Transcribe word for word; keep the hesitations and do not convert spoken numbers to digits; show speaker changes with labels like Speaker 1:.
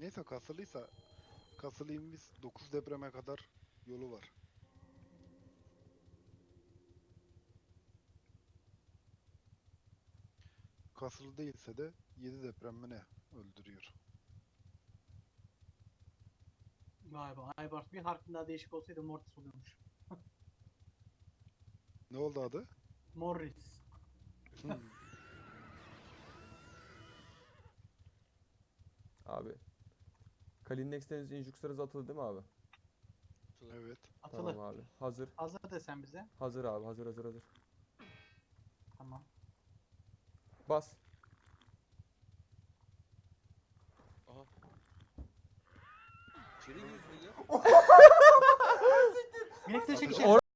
Speaker 1: Neyse kasılıysa kasılıyım biz dokuz depreme kadar yolu var. Kasılı değilse de yedi deprem mi ne öldürüyor.
Speaker 2: Vay be, Aybars bir harfin daha değişik olsaydı Mortis oluyormuş.
Speaker 1: Ne oldu adı?
Speaker 2: Morris.
Speaker 1: Hmm,
Speaker 3: Abi. Kalinex Deniz Injukslar hızı atıldı değil mi abi?
Speaker 1: evet.
Speaker 2: Atılı.
Speaker 3: Tamam abi. Hazır.
Speaker 2: Hazır desen bize.
Speaker 3: Hazır abi. Hazır hazır hazır.
Speaker 2: Tamam.
Speaker 3: Bas.
Speaker 4: Aha. İçeri giriyorsun ya.
Speaker 2: Minik de
Speaker 1: Ateş-
Speaker 2: çekeceğim.